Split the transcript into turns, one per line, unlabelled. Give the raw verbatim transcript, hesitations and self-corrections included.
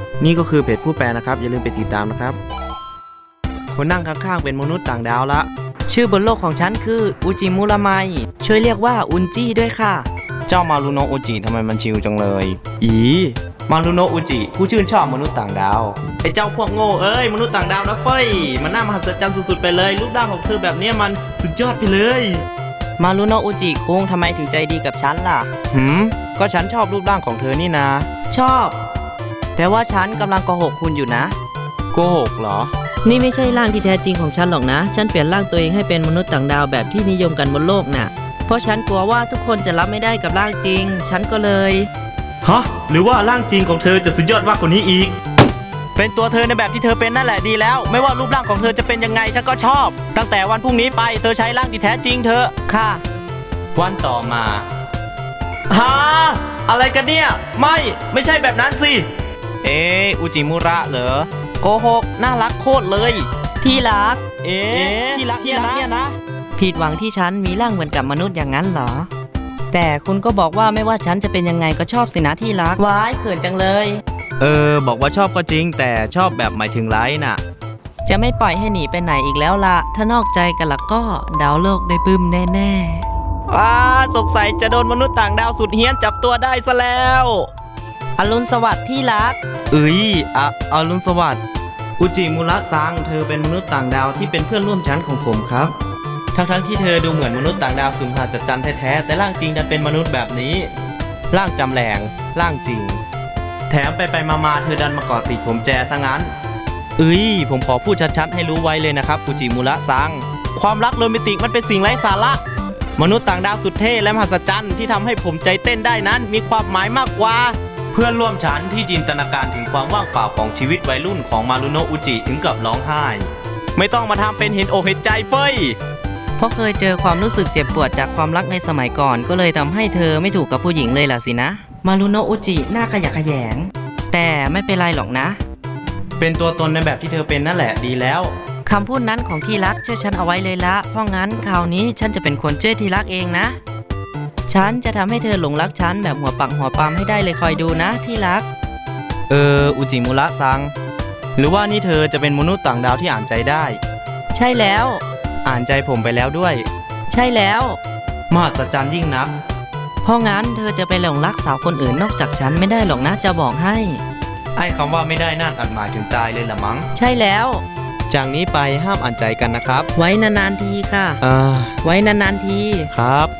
นี่ก็คือเพจผู้แปลนะครับอย่าลืมไปติดตามนะครับคนนั่งข้างๆเป็นมนุษย์ต่างดาวละชื่อบนโลกของฉันคืออุจิมุระไมช่วยเรียกว่าอุนจิด้วยค่ะเจ้ามารุโนะอุจิทำไมมันชิวจังเลยอีมารุโนะอุจิผู้ชื่นชอบมนุษย์ต่างดาวไอ้เจ้าพวกโง่เอ้ยมนุษย์ต่างดาวนะเฟ้ยมันน่ามหัศจรรย์สุดๆไปเลยรูปร่างของเธอแบบนี้มันสุดยอดไปเลยมารุโนะอุจิคุงทำไมถึงใจดีกับฉันล่ะหืมก็ฉันชอบรูปร่างของเธอนี่นะชอบแต่ว่าฉันกำลังโกหกคุณอยู่นะโกหกเหรอนี่ไม่ใช่ร่างที่แท้จริงของฉันหรอกนะฉันเปลี่ยนร่างตัวเองให้เป็นมนุษย์ต่างดาวแบบที่นิยมกันบนโลกน่ะเพราะฉันกลัวว่าทุกคนจะรับไม่ได้กับร่างจริงฉันก็เลยฮะหรือว่าร่างจริงของเธอจะสุดยอดมากกว่านี้อีกเป็นตัวเธอในแบบที่เธอเป็นนั่นแหละดีแล้วไม่ว่ารูปร่างของเธอจะเป็นยังไงฉันก็ชอบตั้งแต่วันพรุ่งนี้ไปเธอใช้ร่างที่แท้จริงเธอค่ะวันต่อมาฮะอะไรกันเนี่ยไม่ไม่ใช่แบบนั้นสิเอ๊ะอุจิมุระเหรอโกหกน่ารักโคตรเลยที่รักเอ๊ะที่รักเนี่ยนะเนี่ยนะผิดหวังที่ฉันมีร่างเหมือนกับมนุษย์อย่างนั้นเหรอแต่คุณก็บอกว่าไม่ว่าฉันจะเป็นยังไงก็ชอบสินะที่รักว้ายเขินจังเลยเออบอกว่าชอบก็จริงแต่ชอบแบบหมายถึงไลน์น่ะจะไม่ปล่อยให้หนีไปไหนอีกแล้วล่ะถ้านอกใจกันละก็ดาวโลกได้บึ้มแน่ๆว้าสงสัยจะโดนมนุษย์ต่างดาวสุดเฮี้ยนจับตัวได้ซะแล้วอรุณสวัสดิ์ที่รักเอ้ยอะอรุณสวัสดิ์อุจิมุระซังเธอเป็นมนุษย์ต่างดาวที่เป็นเพื่อนร่วมชั้นของผมครับทั้งๆที่เธอดูเหมือนมนุษย์ต่างดาวสุดมหัศจรรย์แท้ๆแต่ร่างจริงดันเป็นมนุษย์แบบนี้ร่างจำแรงร่างจริงแถมไปไปมาๆเธอดันมาเกาะติดผมแจซะงั้นเอ้ยผมขอพูดชัดๆให้รู้ไว้เลยนะครับอุจิมุระซังความรักโรแมนติกมันเป็นสิ่งไร้สาระมนุษย์ต่างดาวสุดเท่และมหัศจรรย์ที่ทำให้ผมใจเต้นได้นั้นมีความหมายมากกว่าเพื่อนร่วมชั้นที่จินตนาการถึงความว่างเปล่าของชีวิตวัยรุ่นของมารุโนะอุจิถึงกับร้องไห้ไม่ต้องมาทำเป็นเห็นอกเห็นใจเฟ้ยเพราะเคยเจอความรู้สึกเจ็บปวดจากความรักในสมัยก่อนก็เลยทำให้เธอไม่ถูกกับผู้หญิงเลยล่ะสินะมารุโนะอุจิหน้าขยะแขยงแต่ไม่เป็นไรหรอกนะเป็นตัวตนในแบบที่เธอเป็นนั่นแหละดีแล้วคำพูดนั้นของที่รักช่วยฉันเอาไว้เลยละเพราะงั้นคราวนี้ฉันจะเป็นคนช่วยที่รักเองนะฉันจะทำให้เธอหลงรักฉันแบบหัวปักหัวปามให้ได้เลยคอยดูนะที่รักเอออุจิมุระซังหรือว่านี่เธอจะเป็นมนุษย์ต่างดาวที่อ่านใจได้ใช่แล้วอ่านใจผมไปแล้วด้วยใช่แล้วมหัศจรรย์ยิ่งนักเพราะงั้นเธอจะไปหลงรักสาวคนอื่นนอกจากฉันไม่ได้หรอกนะจะบอกให้ไอ้คำว่าไม่ได้นั่นอาจหมายถึงตายเลยละมั้งใช่แล้วจากนี้ไปห้ามอ่านใจกันนะครับไว้นานๆทีค่ะเออไว้นานๆทีครับ